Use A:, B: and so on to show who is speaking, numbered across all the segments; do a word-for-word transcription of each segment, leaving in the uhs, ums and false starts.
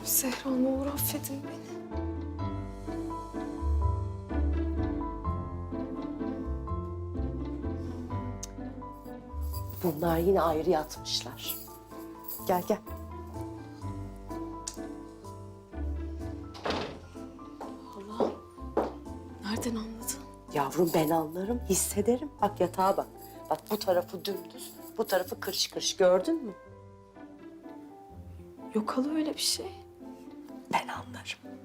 A: Zehra ne olur affedin beni.
B: Bunlar yine ayrı yatmışlar. Gel gel.
A: Allah. Nereden anladın?
B: Yavrum ben anlarım, hissederim. Bak yatağa bak. Bak bu tarafı dümdüz, bu tarafı kırış kırış. Gördün mü?
A: Yok hala öyle bir şey.
B: Ben anlarım.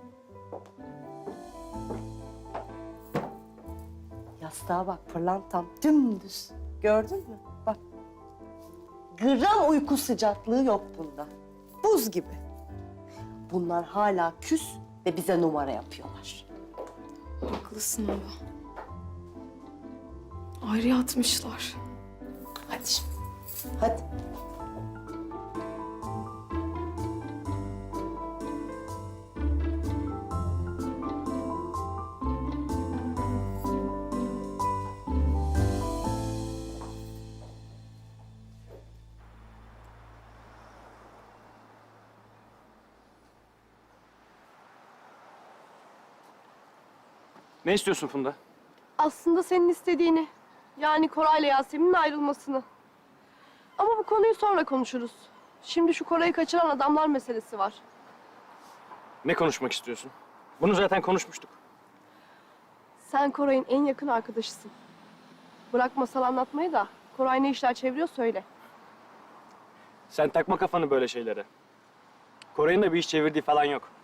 B: Yastığa bak, pırlantam dümdüz. Gördün mü? Bak. Gram uyku sıcaklığı yok bunda. Buz gibi. Bunlar hala küs ve bize numara yapıyorlar.
A: Haklısın ama. Ayrı yatmışlar.
B: Hadi şimdi. Hadi.
C: Ne istiyorsun Funda?
D: Aslında senin istediğini. Yani Koray'la Yasemin'in ayrılmasını. Ama bu konuyu sonra konuşuruz. Şimdi şu Koray'ı kaçıran adamlar meselesi var.
C: Ne konuşmak istiyorsun? Bunu zaten konuşmuştuk.
D: Sen Koray'ın en yakın arkadaşısın. Bırak masal anlatmayı da Koray ne işler çeviriyor söyle.
C: Sen takma kafanı böyle şeylere. Koray'ın da bir iş çevirdiği falan yok.